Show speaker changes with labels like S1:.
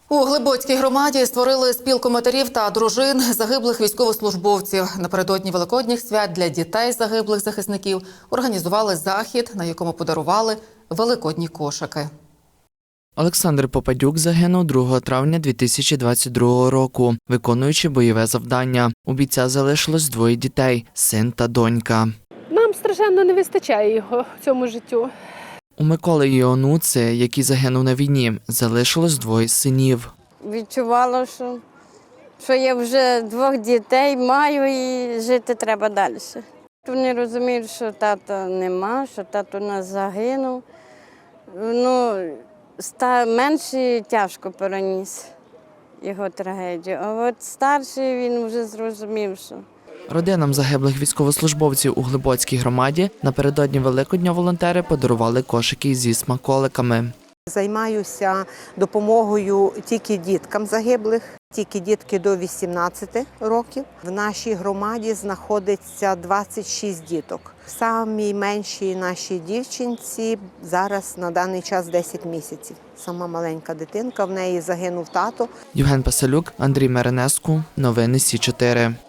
S1: У Глибоцькій громаді створили спілку матерів та дружин загиблих військовослужбовців. Напередодні Великодніх свят для дітей загиблих захисників організували захід, на якому подарували великодні кошики.
S2: Олександр Попадюк загинув 2 травня 2022 року, виконуючи бойове завдання. У бійця залишилось 2 дітей – син та донька.
S3: Нам страшенно не вистачає його в цьому життю.
S2: У Миколи і онуці, який загинув на війні, залишилось 2 синів.
S4: Відчувала, що я вже 2 дітей маю і жити треба далі. Вони розуміють, що тата нема, що тато у нас загинув. Менший тяжко переніс його трагедію, а от старший він вже зрозумів, що…
S2: Родинам загиблих військовослужбовців у Глибоцькій громаді напередодні Великодня волонтери подарували кошики зі смаколиками.
S5: Займаюся допомогою тільки діткам загиблих, тільки дітки до 18 років. В нашій громаді знаходиться 26 діток. Самій меншій нашій дівчинці зараз на даний час 10 місяців. Сама маленька дитинка, в неї загинув тато.
S2: Євген Пасалюк, Андрій Меренеску. Новини Сі 4.